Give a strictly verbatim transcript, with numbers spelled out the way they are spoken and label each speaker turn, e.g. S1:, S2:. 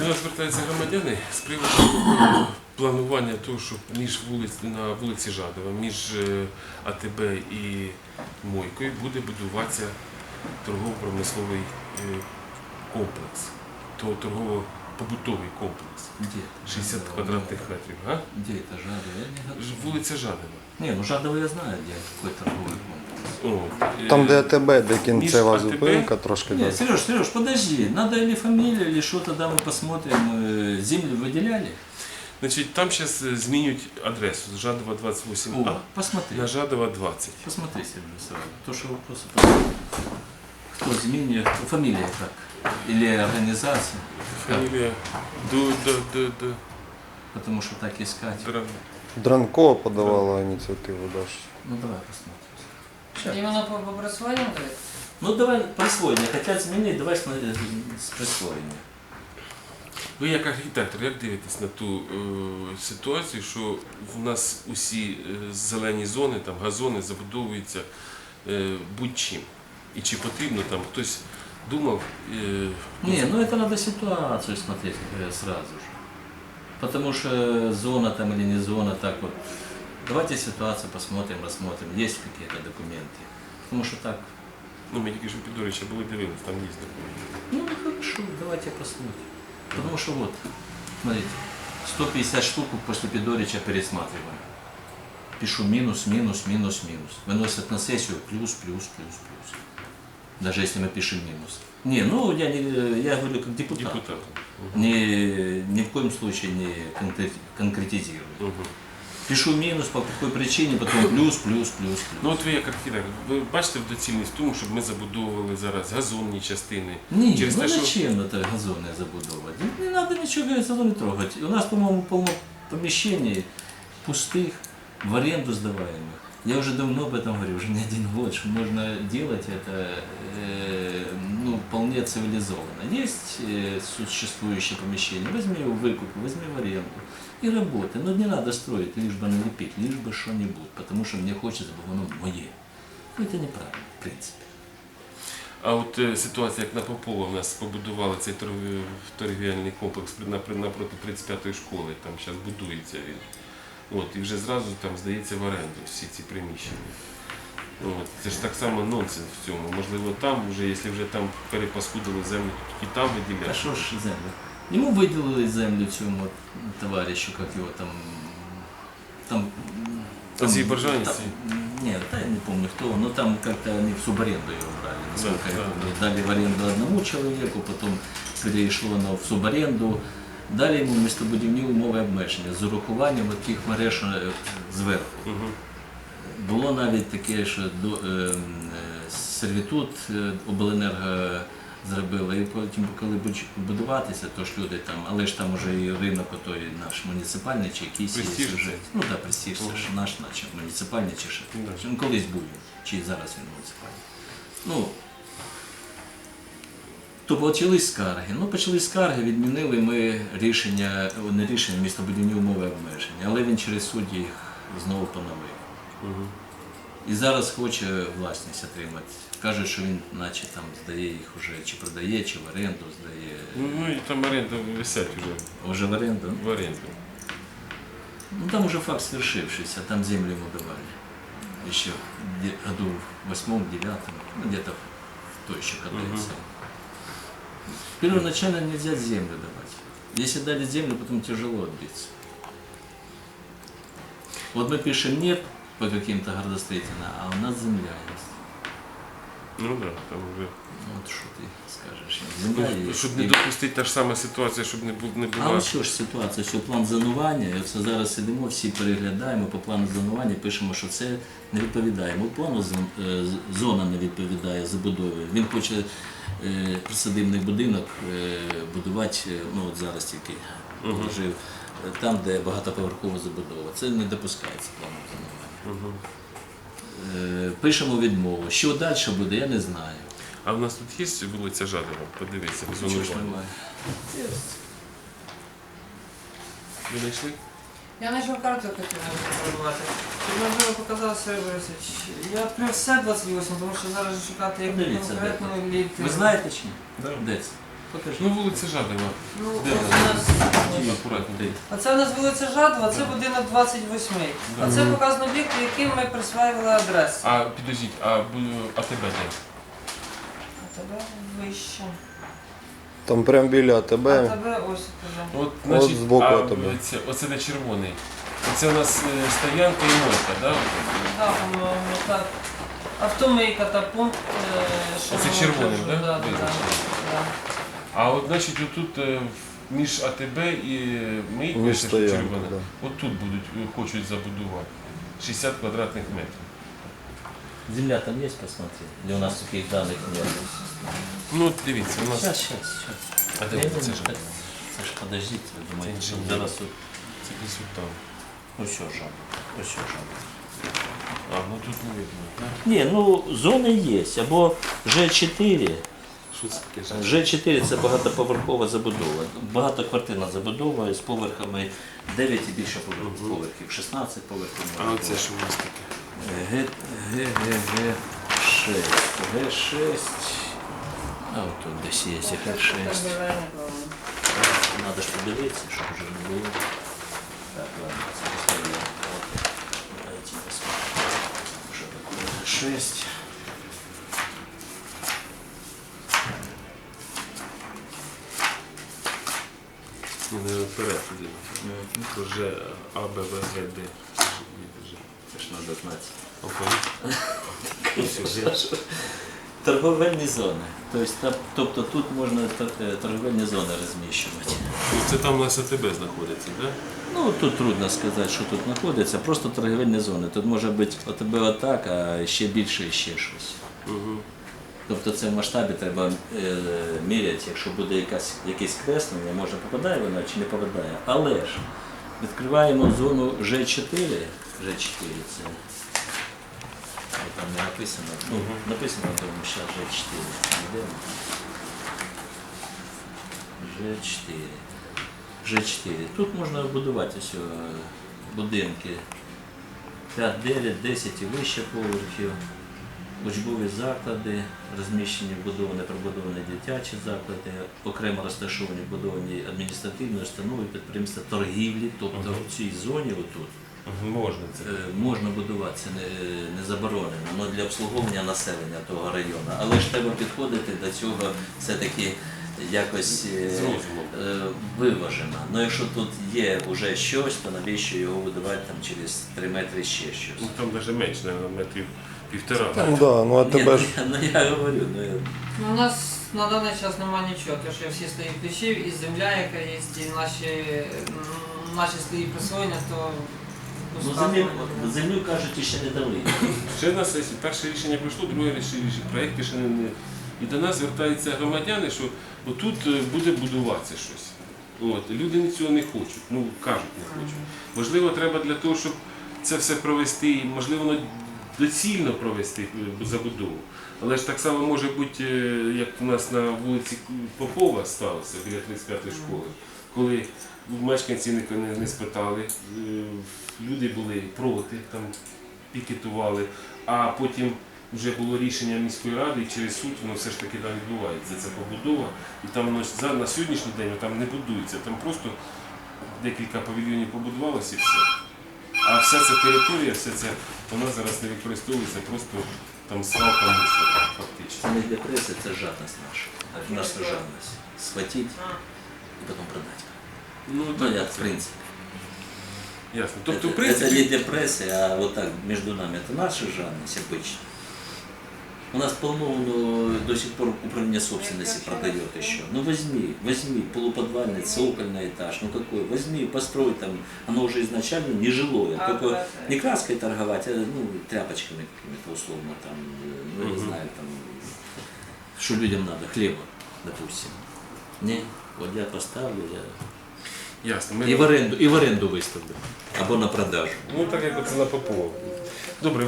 S1: нас звертаються громадяни з приводу планування того, що між вулиць, на вулиці Жадова, між е, АТБ і Мойкою буде будуватися торгово-промисловий е, комплекс, то торгово-побутовий комплекс.
S2: Где?
S1: шістдесят квадратних метрів. А?
S2: Где это Жадово? Я не готов.
S1: Ж- Вулиця Жадова.
S2: Не, ну Жадово я знаю, где какой торговый комплекс.
S1: О, е,
S3: Там, де АТБ, де кінцева
S1: між АТБ
S3: зупинка, трошки
S2: Нет,
S3: далі.
S2: Сереж, Сереж, подожди, надо или фамилия, или что, тогда мы посмотрим. Э, Землю выделяли?
S1: Значить, там зараз змінюють адресу з Жадова двадцять вісім А
S2: О, посмотри.
S1: на Жадова двадцять.
S2: Посмотри, Сережа, сразу. То, что вопросы там. Кто Змеиный, фамилия как? Или организация?
S1: Фамілія Ду, Ду, Ду, Ду,
S2: Потому что так искать.
S1: Дран.
S3: Дранкова подавала ініціативу Даш.
S2: Ну давай посмотрим.
S4: Іменно по по присвоєнню говорить?
S2: Ну давай присвоєння. Хотят змінити, давай смотри, з присвоєння.
S1: Ви як архітектор, як дивитесь на ту е, ситуацію, що в нас усі е, зелені зони, там газони забудовуються е, будь-чим? І чи потрібно там хтось думав? Е,
S2: Не, ну это надо ситуацию смотреть э, сразу же. Потому что зона там или не зона, так вот. Давайте ситуацию посмотрим, рассмотрим, есть какие-то документы. Потому что так,
S1: ну, ми тільки що Підорича були дивились, там є документи.
S2: ну хорошо, давайте посмотрим. Потому что вот, смотрите, сто пятьдесят штук после Пидорича пересматриваем. Пишу минус, минус, минус, минус. Выносят на сессию плюс, плюс, плюс, плюс. Даже если мы пишем минус. Не, ну я, не, я говорю как депутат.
S1: Депутатом.
S2: Ни, ни в коем случае не конкре- конкретизирую.
S1: Угу.
S2: Пишу минус, по какой причине, потом плюс, плюс, плюс,
S1: Ну
S2: плюс.
S1: от ви як архітектор, ви бачите доцільність в тому, щоб ми забудовували зараз газонні частини?
S2: Ні,
S1: Через
S2: ну
S1: те, що-
S2: зачем это газоны забудовывать? Не, не надо ничего газоны трогать. У нас, по-моему, полно помещений пустых, в аренду сдаваемых. Я уже давно об этом говорю, уже не один год, что можно делать это э, ну, вполне цивилизованно. Есть э, существующие помещения, возьми его в выкуп, возьми в аренду и работай. Но не надо строить, лишь бы налепить, лишь бы что-нибудь, потому что мне хочется, чтобы оно мое. Ну, это неправильно, в принципе.
S1: А от е, ситуація, як на Попова, в нас побудували цей торг- торгівельний комплекс при- напри- напроти тридцять п'ятої школи, там зараз будується він. От, і вже зразу там здається в оренду всі ці приміщення. От, це ж так само нонсенс в цьому. Можливо, там вже, якщо вже там перепаскудили землю, і там
S2: А
S1: виділяти.
S2: що ж землю? Йому виділили землю цьому от товаришу, як його там. Там.
S1: Азербайджанец?
S2: там- Нет, да, я не помню кто, но там как-то они в субаренду его брали, насколько
S1: Да,
S2: я
S1: да,
S2: помню. Дали в аренду одному человеку, потом перейшло на в субаренду. Дали йому містобудівні умови обмеження з урахуванням таких мереж е, зверху.
S1: Угу.
S2: Було навіть таке, що до, е, е, сервітут е, обленерго зробила, і потім, коли будуть будуватися, то ж люди там, але ж там вже і ринок отой наш муніципальний чи якийсь є
S1: Престиж.
S2: вже. Ну так, престиж, це ж наш, наче муніципальний чи ще.
S1: Да.
S2: Ну, колись був він, чи зараз він муніципальний. Ну, то почались скарги. Ну, почались скарги, відмінили ми рішення, о, не рішення, містобудівні умови обмеження, але він через суд їх знову поновив.
S1: Угу.
S2: І зараз хоче власність отримати. Каже, що він наче там здає їх уже, чи продає, чи в оренду здає.
S1: Ну і там оренда висять вже
S2: Уже в оренду.
S1: в оренду.
S2: Ну там уже факт свершившийся, там землю ему давали. Еще в де- году в восьмом, девятом, ну где-то в той еще катается. Первоначально нельзя землю давать. Если дали землю, потом тяжело отбиться. Вот мы пишем нет по каким-то градостроительным, а у нас земля есть.
S1: Ну так, да, там вже.
S2: Ну, вот что ты скажешь? Земля
S1: Ну,
S2: есть.
S1: щоб не
S2: И-
S1: допустити та ж сама ситуація, щоб не бу- не
S2: А
S1: була.
S2: ось що ж ситуація, що план зонування, і оце зараз сидимо, всі переглядаємо по плану зонування, пишемо, що це не відповідає. Бо плану зон- е, з- зона не відповідає забудові. Він хоче е, присадибний будинок е, будувати, е, ну от зараз тільки положив, е, там, де багатоповерхова забудова. Це не допускається планом зонування.
S1: Угу.
S2: Е, Пишемо відмову. Що далі буде, я не знаю.
S1: А в нас тут є вулиця Жадова? Подивіться, в
S2: Чого ж
S1: зонуванні.
S2: немає?
S1: Ви знайшли?
S4: Я знайшов карту, яку хотів пробувати. Щоб можливо показав Сергій Борисович. Я відкрив все двадцять восьму, тому що зараз же шукати як
S2: Подивіться, де
S4: конкретно літ.
S2: Ви знаєте чи ні?
S1: Да.
S2: Де це? Покажи.
S1: Ну, вулиця Жадова.
S4: Ну,
S1: Де
S4: ось
S1: вона?
S4: у нас,
S1: Ті, акуратно.
S2: Ти.
S4: оце у нас вулиця Жадова, це будинок двадцять вісім. А це показано об'єкт, яким ми присваювали адресу.
S1: А підождіть, а бу- а тебе де?
S4: А тебе вище.
S3: Там прям біля
S4: А
S3: тебе.
S4: тебе ось вже.
S1: От, значить,
S3: збоку
S1: а,
S3: от тебе.
S1: Це, оце де червоний. Це у нас е, стоянка і мойка, да?
S4: Да, по-моєму, так. Автомийка та пункт. е, що
S1: Оце
S4: ми
S1: червоним,
S4: кажемо,
S1: да?
S4: Да, да,
S1: Визначено.
S4: да.
S1: А от, значить, отут е, між АТБ і мийкою,
S3: Між
S1: це що
S3: стоянкою,
S1: червоне,
S3: да.
S1: от тут будуть, е, хочуть забудувати. шістдесят квадратних метрів.
S2: Земля там есть, посмотри? Или у нас таких данных нет?
S1: Ну, от дивіться, у нас...
S2: Сейчас, сейчас, сейчас.
S1: А де це ж?
S2: Це ж подождите, ви думаєте,
S1: Це
S2: що
S1: інженер.
S2: зараз тут...
S1: Це десь от там.
S2: Ось що жаба, ось що жаба.
S1: А, ну тут не видно, так?
S2: Ні, ну зони є, або Ж чотири.
S1: Що це таке?
S2: Ж чотири це багатоповерхова забудова, багатоквартирна забудова з поверхами дев'ять і більше повер- поверхів, шістнадцять поверхів.
S1: А оце що у нас таке?
S2: Г, Г, Г, Г, шість. Г шість. А от тут десь є Г шість. Надо ж подивитися, щоб вже не було. Так, ладно, це поставимо. От. Давайте посмотрим. Що таке Г шість.
S1: Ну, не вперед туди. То вже А, Б, В, Г, Д.
S2: Це ж треба знати.
S1: Окей.
S2: Торговельні зони. Тобто, та- тобто тут можна тор- е, торговельні зони розміщувати.
S1: Ну, це там у нас АТБ знаходиться, так?
S2: Ну тут трудно сказати, що тут знаходиться, просто торговельні зони. Тут може бути от тебе отак, а ще більше і ще щось.
S1: Угу.
S2: Тобто це в масштабі треба е, міряти, якщо буде якась, якесь креслення, може попадає вона чи не попадає. Але ж відкриваємо зону Ж чотири. Ж чотири це. Там не написано. Ну, написано, тому що Ж чотири. Йдемо. Ж чотири. Ж чотири. Тут можна будувати ось е, будинки п'ять, дев'ять, десять і вище поверхів. Учбові заклади, розміщені вбудовані, прибудовані дитячі заклади, окремо розташовані вбудовані адміністративні установи, підприємства торгівлі, тобто в цій зоні отут
S1: Можна це.
S2: е, можна будуватися, не, не заборонено, але для обслуговування населення того району. Але ж треба підходити до цього все-таки якось е,
S1: З розумом.
S2: е, виважено. Ну якщо тут є вже щось, то навіщо його будувати там через три метри ще щось?
S1: Ну там навіть менше, мабуть, метрів півтора.
S3: Ну да, ну а
S2: Ні,
S3: тебе
S2: ну,
S3: ж
S2: я, ну я говорю, ну я...
S4: Ну, у нас на даний час немає нічого, тому що всі слої ключів, і земля, яка є, і наші, м, наші слої присвоєння, то
S2: Ну,
S4: пускати
S2: землю,
S4: не-
S2: землю кажуть, ще не дали.
S1: Ще в нас є перше рішення пройшло, друге рішення, проєкти ще не, не. І до нас звертаються громадяни, що отут е, буде будуватися щось. От. Люди цього не хочуть, ну кажуть, не хочуть. Можливо, треба для того, щоб це все провести, і, можливо, воно доцільно провести е, забудову. Але ж так само може бути, е, як у нас на вулиці Попова сталося біля тридцять п'ятої школи, коли мешканці не, не, не спитали, е, люди були проти, там пікетували, а потім вже було рішення міської ради, і через суд воно все ж таки там відбувається. Це побудова, і там воно за- на сьогоднішній день там не будується, там просто декілька павільйонів побудувалося і все. А вся ця територія, вся ця, вона зараз не використовується, просто там свалка мусора, фактично.
S2: Це не для преси, це жадність наша. Наша жадність. Схватити і потім продати.
S1: Ну,
S2: Ну,
S1: так,
S2: я,
S1: це
S2: в принципе.
S1: ясно. Тобто, в
S2: это, это
S1: принципі,
S2: не для прессы, а вот так между нами. Это наша жадность обычно. У нас полно ну, до сих пор управление собственности продает еще. Ну возьми, возьми полуподвальный, цокольный этаж, ну какой, возьми, построй там, оно уже изначально нежилое,
S4: А,
S2: только
S4: да, да.
S2: не краской торговать, а ну, тряпочками какими-то условно там, ну я не
S1: Мгм.
S2: знаю, там, что людям надо, хлеба, допустим. Не, вот я поставлю, я
S1: ясно. Ми,
S2: і в оренду, і в оренду виставлю. Або на продажу.
S1: ну так як оце на Попова. Добре.